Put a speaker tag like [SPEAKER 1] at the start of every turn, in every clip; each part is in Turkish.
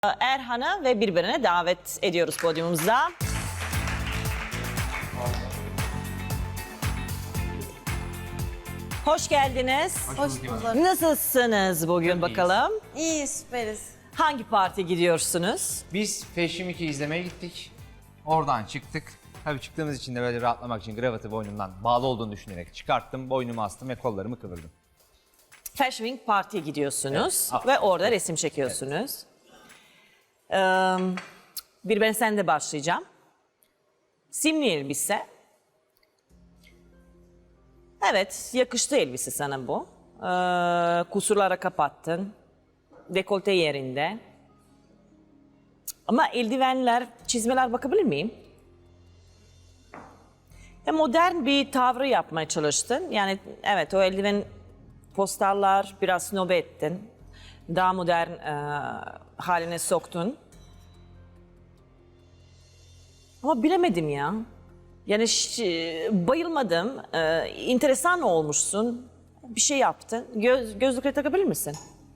[SPEAKER 1] Erhan'ı ve birbirine davet ediyoruz podyumumuza. Hoş geldiniz.
[SPEAKER 2] Hoş bulduk.
[SPEAKER 1] Nasılsınız bugün bakalım?
[SPEAKER 2] İyi, süperiz.
[SPEAKER 1] Hangi partiye gidiyorsunuz?
[SPEAKER 3] Biz Fashion Week'i izlemeye gittik. Oradan çıktık. Tabii çıktığımız için de böyle rahatlamak için kravatı boynumdan bağlı olduğunu düşünerek çıkarttım, boynumu astım ve kollarımı kıvırdım.
[SPEAKER 1] Fashion Week Parti'ye gidiyorsunuz
[SPEAKER 3] Evet.
[SPEAKER 1] ve orada resim çekiyorsunuz. Bir ben sen de başlayacağım. Simli elbise. Evet, yakıştı elbise sana bu. Kusurlara kapattın. Dekolte yerinde. Ama eldivenler, çizmeler bakabilir miyim? Modern bir tavrı yapmaya çalıştın. Yani evet o eldiven postallar biraz snob ettin. Daha modern haline soktun. Ama bilemedim ya. Yani bayılmadım. Enteresan olmuşsun. Bir şey yaptın. Gözlükleri takabilir misin?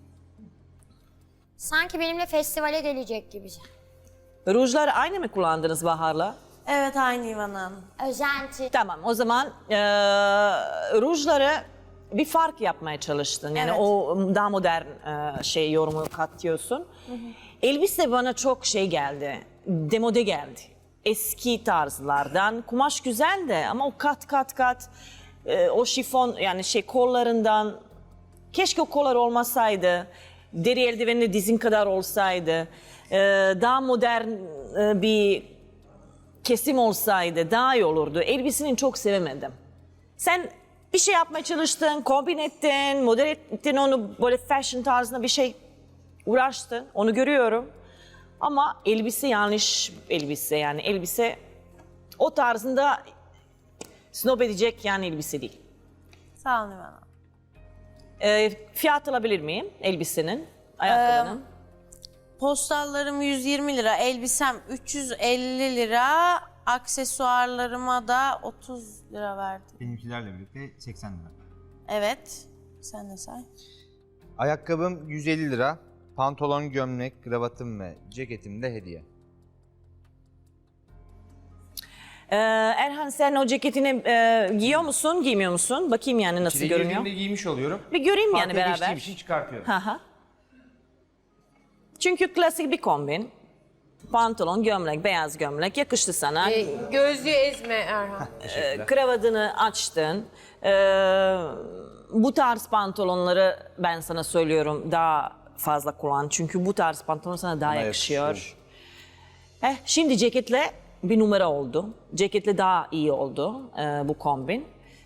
[SPEAKER 4] Sanki benimle festivale gelecek gibi.
[SPEAKER 1] Rujları aynı mı kullandınız Bahar'la?
[SPEAKER 2] Evet, aynı İvan Hanım.
[SPEAKER 4] Özenti.
[SPEAKER 1] Tamam o zaman rujları bir fark yapmaya çalıştın. Yani
[SPEAKER 2] Evet.
[SPEAKER 1] o daha modern yorumu katıyorsun. Elbise bana çok geldi. Demode geldi. Eski tarzlardan. Kumaş güzel de ama o kat o şifon yani kollarından keşke o kollar olmasaydı. Deri eldiveni dizin kadar olsaydı. Daha modern bir kesim olsaydı daha iyi olurdu. Elbiseni çok sevemedim. Sen bir şey yapmaya çalıştın, kombin ettin, model ettin onu böyle fashion tarzında bir şey uğraştın. Onu görüyorum. Ama elbise yanlış elbise yani elbise o tarzında snob edecek yani elbise değil.
[SPEAKER 2] Sağ olun İvan Hanım.
[SPEAKER 1] Fiyat alabilir miyim elbisenin, ayakkabının?
[SPEAKER 2] Postallarım 120 lira, elbisem 350 lira, aksesuarlarıma da 30 lira verdim.
[SPEAKER 3] Benimkilerle birlikte 80 lira.
[SPEAKER 2] Evet, sen de say.
[SPEAKER 3] Ayakkabım 150 lira. Pantolon, gömlek, kravatım ve ceketim de hediye.
[SPEAKER 1] Erhan sen o ceketini giyiyor musun, giymiyor musun? Bakayım yani nasıl
[SPEAKER 3] İçeri
[SPEAKER 1] görünüyor.
[SPEAKER 3] girdiğimde giymiş oluyorum.
[SPEAKER 1] Bir göreyim yani
[SPEAKER 3] Partiye
[SPEAKER 1] beraber.
[SPEAKER 3] geçtiğim için çıkartıyorum.
[SPEAKER 1] Hı. Çünkü klasik bir kombin. Pantolon, gömlek, beyaz gömlek yakıştı sana.
[SPEAKER 5] Gözlüğü ezme Erhan.
[SPEAKER 1] Kravatını açtın. Bu tarz pantolonları ben sana söylüyorum daha fazla kullan. Çünkü bu tarz pantolon sana daha yakışıyor. Şimdi ceketle bir numara oldu. Ceketle daha iyi oldu bu kombin.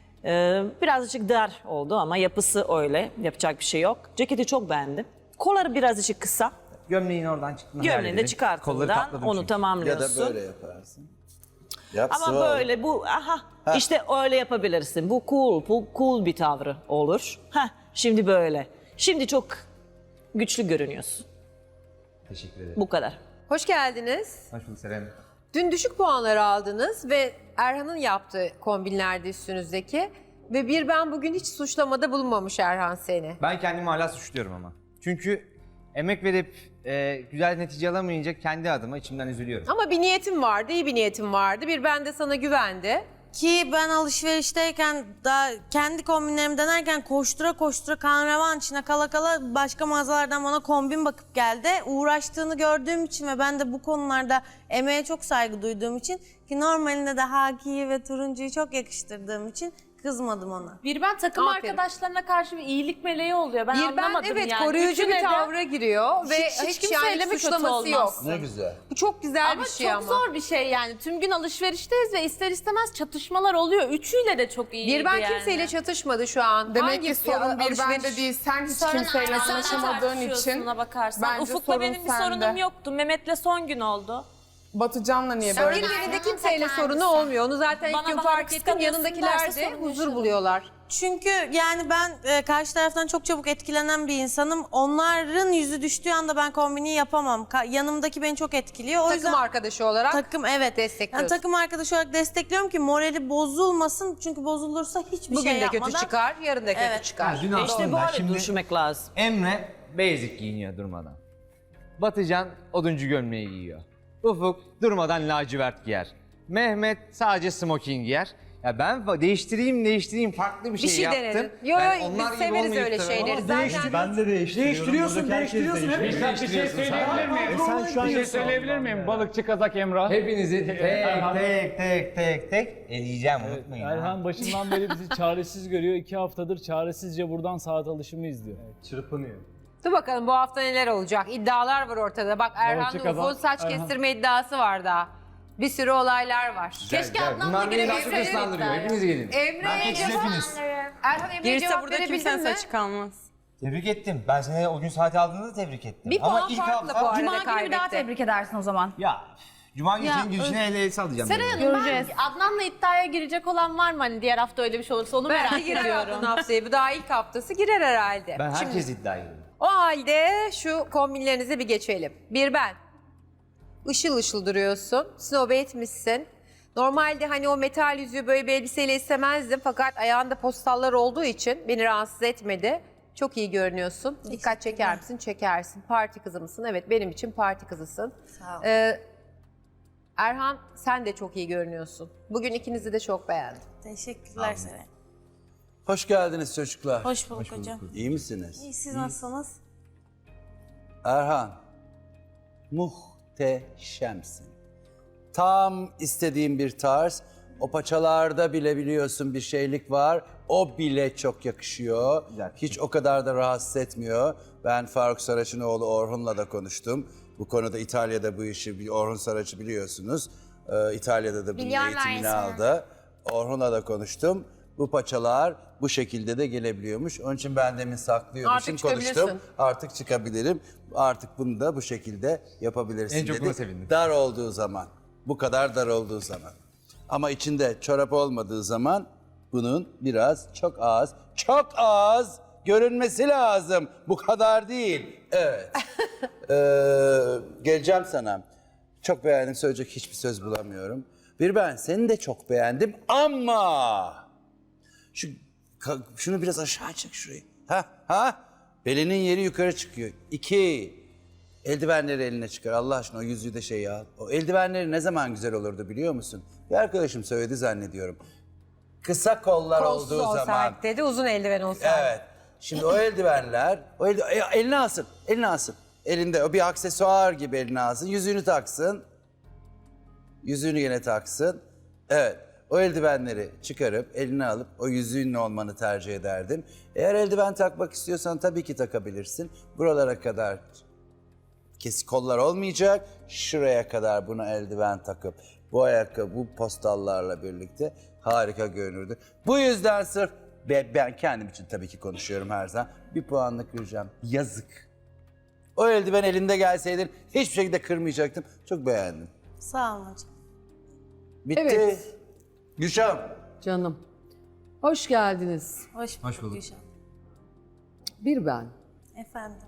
[SPEAKER 1] Birazcık dar oldu ama yapısı öyle. Yapacak bir şey yok. Ceketi çok beğendim. Kolları birazcık kısa.
[SPEAKER 3] Gömleğin oradan çıktığını
[SPEAKER 1] Gömleğini de
[SPEAKER 3] halledelim. Kolları
[SPEAKER 1] çıkarttığından
[SPEAKER 3] katladım
[SPEAKER 1] onu
[SPEAKER 3] çünkü.
[SPEAKER 6] Ya
[SPEAKER 1] tamamlıyorsun.
[SPEAKER 6] da böyle yaparsın. Yap,
[SPEAKER 1] Ama
[SPEAKER 6] sıva
[SPEAKER 1] böyle bu işte öyle yapabilirsin. Bu cool bir tavrı olur. Şimdi böyle. Şimdi çok güçlü görünüyorsun.
[SPEAKER 3] Teşekkür ederim.
[SPEAKER 1] Bu kadar.
[SPEAKER 5] Hoş geldiniz.
[SPEAKER 3] Hoş bulduk Seren.
[SPEAKER 5] Dün düşük puanlar aldınız ve Erhan'ın yaptığı kombinlerdi üstünüzdeki. Ve ben bugün hiç suçlamada bulunmamış Erhan seni.
[SPEAKER 3] Ben kendimi hala suçluyorum ama. Çünkü emek verip güzel netice alamayınca kendi adıma içimden üzülüyorum.
[SPEAKER 5] Ama bir niyetim vardı, iyi bir niyetim vardı. Ben de sana güvendi.
[SPEAKER 2] Ki ben alışverişteyken, daha kendi kombinlerimi denerken koştura kahraman içine kala başka mağazalardan bana kombin bakıp geldi. Uğraştığını gördüğüm için ve ben de bu konularda emeğe çok saygı duyduğum için ki normalinde de hakiyi ve turuncuyu çok yakıştırdığım için kızmadım ona.
[SPEAKER 7] Ben takım
[SPEAKER 5] Aferin.
[SPEAKER 7] arkadaşlarına karşı bir iyilik meleği oluyor. Ben
[SPEAKER 5] Ben
[SPEAKER 7] anlamadım
[SPEAKER 5] evet
[SPEAKER 7] yani.
[SPEAKER 5] koruyucu
[SPEAKER 7] Üçüne
[SPEAKER 5] bir
[SPEAKER 7] de
[SPEAKER 5] tavra giriyor ve
[SPEAKER 7] hiç
[SPEAKER 5] hiç
[SPEAKER 7] kimseyle
[SPEAKER 5] yani
[SPEAKER 7] mi kötü
[SPEAKER 5] suçlaması yok.
[SPEAKER 7] olmazsın?
[SPEAKER 6] Ne güzel.
[SPEAKER 5] Bu çok güzel
[SPEAKER 7] Ama
[SPEAKER 5] bir şey
[SPEAKER 7] çok
[SPEAKER 5] ama.
[SPEAKER 7] zor bir şey yani. Tüm gün alışverişteyiz ve ister istemez çatışmalar oluyor. Üçüyle de çok iyiydi
[SPEAKER 5] Ben
[SPEAKER 7] yani.
[SPEAKER 5] kimseyle çatışmadı şu an.
[SPEAKER 8] Demek
[SPEAKER 5] Hangi
[SPEAKER 8] ki sorun bir
[SPEAKER 5] alışveriş-
[SPEAKER 8] bende değil. Sen hiç
[SPEAKER 7] Sorun
[SPEAKER 8] kimseyle
[SPEAKER 7] Aynen, sen
[SPEAKER 8] anlaşamadığın
[SPEAKER 7] tartışıyorsun
[SPEAKER 8] için
[SPEAKER 7] ona bakarsan.
[SPEAKER 8] bence
[SPEAKER 7] Ufuk'la
[SPEAKER 8] sorun
[SPEAKER 7] benim bir
[SPEAKER 8] sende.
[SPEAKER 7] sorunum yoktu. Mehmet'le son gün oldu.
[SPEAKER 8] Batıcan'la niye böyle?
[SPEAKER 5] Birilerinde
[SPEAKER 4] Erhan'ın
[SPEAKER 5] kimseyle
[SPEAKER 4] ta
[SPEAKER 5] sorunu
[SPEAKER 4] kendisi.
[SPEAKER 5] olmuyor. Onu zaten
[SPEAKER 7] Bana
[SPEAKER 5] ilk gün
[SPEAKER 7] Bahar'ı
[SPEAKER 5] fark ettim.
[SPEAKER 7] kıskanıyorsun
[SPEAKER 5] Yanındakiler
[SPEAKER 7] derse
[SPEAKER 5] de
[SPEAKER 7] sorun
[SPEAKER 5] huzur
[SPEAKER 7] yaşadım.
[SPEAKER 5] buluyorlar.
[SPEAKER 2] Çünkü yani ben karşı taraftan çok çabuk etkilenen bir insanım. Onların yüzü düştüğü anda ben kombini yapamam. Yanımdaki beni çok etkiliyor. O
[SPEAKER 5] Takım
[SPEAKER 2] yüzden
[SPEAKER 5] arkadaşı olarak
[SPEAKER 2] takım evet
[SPEAKER 5] destekliyorsun.
[SPEAKER 2] Yani takım arkadaşı olarak destekliyorum ki morali bozulmasın. Çünkü bozulursa hiçbir
[SPEAKER 5] bugün
[SPEAKER 2] şey
[SPEAKER 5] de
[SPEAKER 2] yapmadan.
[SPEAKER 5] kötü çıkar, yarın da kötü
[SPEAKER 2] Evet.
[SPEAKER 5] çıkar.
[SPEAKER 3] Dün
[SPEAKER 1] İşte
[SPEAKER 3] aslında
[SPEAKER 1] böyle
[SPEAKER 3] şimdi
[SPEAKER 1] düşünmek lazım.
[SPEAKER 3] Emre basic giyiniyor durmadan. Batıcan oduncu gömleği giyiyor. Ufuk durmadan lacivert giyer. Mehmet sadece smoking giyer. Ya ben değiştireyim farklı bir şey,
[SPEAKER 5] şey
[SPEAKER 3] yaptım.
[SPEAKER 5] denedin. Yo,
[SPEAKER 3] Ben
[SPEAKER 5] yo,
[SPEAKER 3] onlar
[SPEAKER 5] biz
[SPEAKER 3] gibi
[SPEAKER 5] severiz
[SPEAKER 3] olmayıp
[SPEAKER 5] öyle
[SPEAKER 3] da-
[SPEAKER 5] şeyleri.
[SPEAKER 3] Ama
[SPEAKER 5] Zaten
[SPEAKER 6] Ben de değiştiriyorum.
[SPEAKER 9] Değiştiriyorsun. Hep
[SPEAKER 3] Bir şey
[SPEAKER 9] söyleyebilir miyim?
[SPEAKER 6] sen şu an
[SPEAKER 9] Bir şey söyleyebilir miyim? Balıkçı Kazak Emrah.
[SPEAKER 3] Hepinizi tek eleyeceğim, unutmayın. ha.
[SPEAKER 10] Erhan başından beri bizi çaresiz görüyor. 2 haftadır çaresizce buradan saat alışımı izliyor.
[SPEAKER 9] Çırpınıyor.
[SPEAKER 5] dur bakalım bu hafta neler olacak. İddialar var ortada. Bak Erhan'ın
[SPEAKER 10] Balıkçı Kazak,
[SPEAKER 5] Ufuk'un saç
[SPEAKER 10] Erhan.
[SPEAKER 5] kestirme iddiası var daha. Bir sürü olaylar var.
[SPEAKER 7] Keşke Adnan'la
[SPEAKER 3] Bunlar beni daha çok
[SPEAKER 7] girebilseydik.
[SPEAKER 3] ıslandırıyor. Hepiniz gelin.
[SPEAKER 5] Emre'ye cevap... Erhan Emre'ye
[SPEAKER 2] Girse
[SPEAKER 5] cevap
[SPEAKER 2] burada
[SPEAKER 5] verebildin
[SPEAKER 2] kimsenin
[SPEAKER 5] mi?
[SPEAKER 2] saçı kalmaz.
[SPEAKER 3] Tebrik ettim. Ben seni o gün saati aldığında da tebrik ettim.
[SPEAKER 5] Bir puan farklı bu arada
[SPEAKER 7] Cuma günü bir daha
[SPEAKER 5] kaybetti.
[SPEAKER 7] tebrik edersin o zaman.
[SPEAKER 3] Ya Cuma günü senin gülüşüne el sallayacağım.
[SPEAKER 7] Seray
[SPEAKER 3] ben.
[SPEAKER 7] Hanım ben Adnan'la iddiaya girecek olan var mı? Hani diğer hafta öyle bir şey olursa onu
[SPEAKER 5] Belki
[SPEAKER 7] merak
[SPEAKER 5] girer
[SPEAKER 7] ediyorum.
[SPEAKER 5] Adnan haftaya. Bu daha ilk haftası girer herhalde.
[SPEAKER 3] Ben
[SPEAKER 5] Şimdi,
[SPEAKER 3] herkes iddia ediyorum.
[SPEAKER 5] o halde şu kombinlerinize bir geçelim. Bir ben. Işıl ışıl duruyorsun. Snob etmişsin. Normalde hani o metal yüzüğü böyle bir elbiseyle istemezdim. Fakat ayağında postallar olduğu için beni rahatsız etmedi. Çok iyi görünüyorsun. Dikkat çeker misin? Çekersin. Parti kızı mısın? Evet, benim için parti kızısın.
[SPEAKER 2] Sağ ol.
[SPEAKER 5] Erhan, sen de çok iyi görünüyorsun. Bugün ikinizi de çok beğendim.
[SPEAKER 2] Teşekkürler Seray.
[SPEAKER 6] Hoş geldiniz çocuklar.
[SPEAKER 2] Hoş bulduk hocam.
[SPEAKER 6] İyi misiniz?
[SPEAKER 2] İyi, siz nasılsınız?
[SPEAKER 6] Erhan, muhteşemsin. Tam istediğim bir tarz. O paçalarda bile biliyorsun bir şeylik var. O bile çok yakışıyor. Hiç o kadar da rahatsız etmiyor. Ben Faruk Saraç'ın oğlu Orhun'la da konuştum. Bu konuda İtalya'da bu işi, Orhun Saraç'ı biliyorsunuz. İtalya'da da bunun
[SPEAKER 4] Biliyorum
[SPEAKER 6] eğitimini
[SPEAKER 4] Ayşe.
[SPEAKER 6] aldı. Orhun'la da konuştum. Bu paçalar bu şekilde de gelebiliyormuş. Onun için ben demin saklıyordum.
[SPEAKER 5] Artık
[SPEAKER 6] Şimdi konuştum.
[SPEAKER 5] çıkabilirsin.
[SPEAKER 6] Artık çıkabilirim. Artık bunu da bu şekilde yapabilirsin
[SPEAKER 3] En çok
[SPEAKER 6] dedi.
[SPEAKER 3] buna sevindim.
[SPEAKER 6] Dar olduğu zaman. Bu kadar dar olduğu zaman. Ama içinde çorap olmadığı zaman bunun biraz çok az görünmesi lazım. Bu kadar değil. Evet. Geleceğim sana. Çok beğendim, söyleyecek hiçbir söz bulamıyorum. Bir ben seni de çok beğendim ama şunu biraz aşağı çek şurayı. Ha? Belinin yeri yukarı çıkıyor. 2. Eldivenleri eline çıkar. Allah aşkına o yüzüğü de şey ya. O eldivenleri ne zaman güzel olurdu biliyor musun? Bir arkadaşım söyledi zannediyorum. Kısa kollar
[SPEAKER 5] Kolsuz
[SPEAKER 6] olduğu zaman.
[SPEAKER 5] olsaydı dedi, uzun eldiven olsaydı.
[SPEAKER 6] Evet. Şimdi o eldivenler, eline alsın. Elinde o bir aksesuar gibi eline alsın. Yüzüğünü taksın. Yüzüğünü yine taksın. Evet. O eldivenleri çıkarıp eline alıp o yüzüğünle olmanı tercih ederdim. Eğer eldiven takmak istiyorsan tabii ki takabilirsin. Buralara kadar kesik kollar olmayacak. Şuraya kadar buna eldiven takıp bu ayakkabı, bu postallarla birlikte harika görünürdü. Bu yüzden sırf ben kendim için tabii ki konuşuyorum her zaman. Bir puanlık vereceğim. Yazık. O eldiven elinde gelseydin hiçbir şekilde kırmayacaktım. Çok beğendim.
[SPEAKER 2] Sağ olun hocam.
[SPEAKER 6] Bitti.
[SPEAKER 11] Evet.
[SPEAKER 6] Gülşah'ım.
[SPEAKER 11] Canım. Hoş geldiniz.
[SPEAKER 2] Hoş bulduk Gülşen.
[SPEAKER 11] Bir ben.
[SPEAKER 2] Efendim.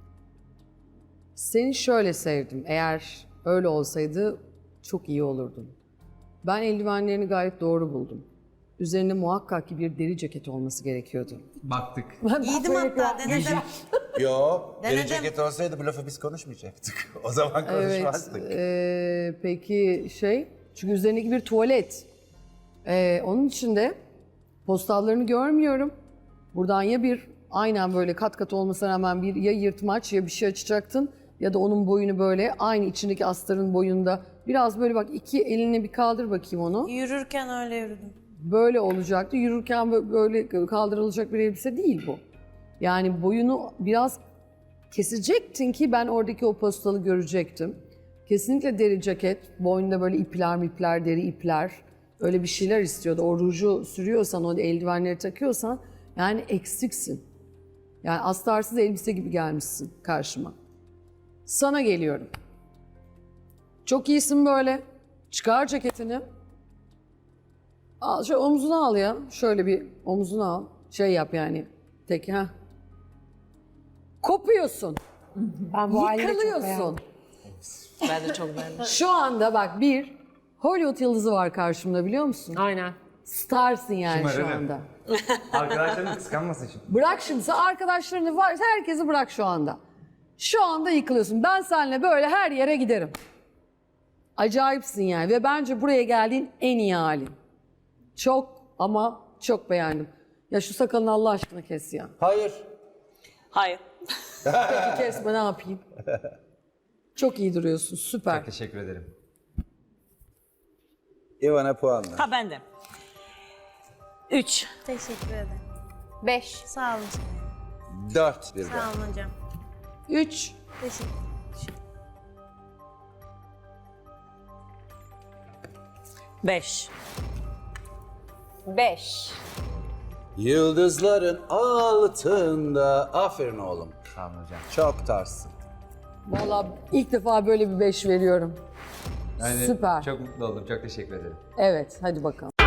[SPEAKER 11] Seni şöyle sevdim. Eğer öyle olsaydı çok iyi olurdun. Ben eldivenlerini gayet doğru buldum. Üzerinde muhakkak ki bir deri ceket olması gerekiyordu.
[SPEAKER 3] Baktık.
[SPEAKER 2] Giydim hatta, denedim.
[SPEAKER 6] Yo, deri
[SPEAKER 2] Denedim.
[SPEAKER 6] ceket olsaydı bu lafı biz konuşmayacaktık. O zaman konuşmazdık.
[SPEAKER 11] Peki çünkü üzerindeki bir tuvalet. Onun için de postallarını görmüyorum. Buradan ya aynen böyle kat kat olmasına rağmen bir ya yırtmaç ya bir şey açacaktın ya da onun boyunu böyle aynı içindeki astarın boyunda biraz böyle bak iki elini bir kaldır bakayım onu.
[SPEAKER 2] Yürürken öyle yürüdüm.
[SPEAKER 11] Böyle olacaktı. Yürürken böyle kaldırılacak bir elbise değil bu. Yani boyunu biraz kesecektin ki ben oradaki o postalı görecektim. Kesinlikle deri ceket, boynunda böyle ipler, deri ipler. Öyle bir şeyler istiyordu. O ruju sürüyorsan, o eldivenleri takıyorsan yani eksiksin. Yani astarsız elbise gibi gelmişsin karşıma. Sana geliyorum. Çok iyisin böyle. Çıkar ceketini. Al, şöyle omzuna al ya. Şöyle bir omzuna al. Şey yap yani. Tek kopuyorsun.
[SPEAKER 5] Ben bu halini de çok beğendim.
[SPEAKER 11] Yıkılıyorsun.
[SPEAKER 1] Ben de çok beğendim.
[SPEAKER 11] Şu anda bak bir Hollywood yıldızı var karşımda biliyor musun?
[SPEAKER 5] Aynen.
[SPEAKER 11] Starsın yani şu
[SPEAKER 3] Şımarırım.
[SPEAKER 11] anda.
[SPEAKER 3] Arkadaşlarım kıskanmasın şimdi.
[SPEAKER 11] Bırak şimdi sen arkadaşlarını var herkesi bırak şu anda. Şu anda yıkılıyorsun. Ben seninle böyle her yere giderim. Acayipsin yani ve bence buraya geldiğin en iyi halin. Çok ama çok beğendim. Ya şu sakalını Allah aşkına kes ya.
[SPEAKER 6] Hayır.
[SPEAKER 1] Hayır.
[SPEAKER 11] Peki kesme, ne yapayım? Çok iyi duruyorsun, süper.
[SPEAKER 3] Teşekkür ederim.
[SPEAKER 6] Ivana puanla.
[SPEAKER 1] Ha ben de. 3.
[SPEAKER 2] Teşekkür ederim.
[SPEAKER 5] 5.
[SPEAKER 2] Sağ olun.
[SPEAKER 6] 4 birden.
[SPEAKER 2] Sağ olun hocam.
[SPEAKER 11] 3.
[SPEAKER 2] Teşekkür.
[SPEAKER 1] 5.
[SPEAKER 5] 5.
[SPEAKER 6] Yıldızların altında. Aferin oğlum.
[SPEAKER 3] Sağ olun hocam.
[SPEAKER 6] Çok tarzsın.
[SPEAKER 11] Vallahi ilk defa böyle bir 5 veriyorum. Süper.
[SPEAKER 3] Çok mutlu oldum. Çok teşekkür ederim.
[SPEAKER 11] Evet, hadi bakalım.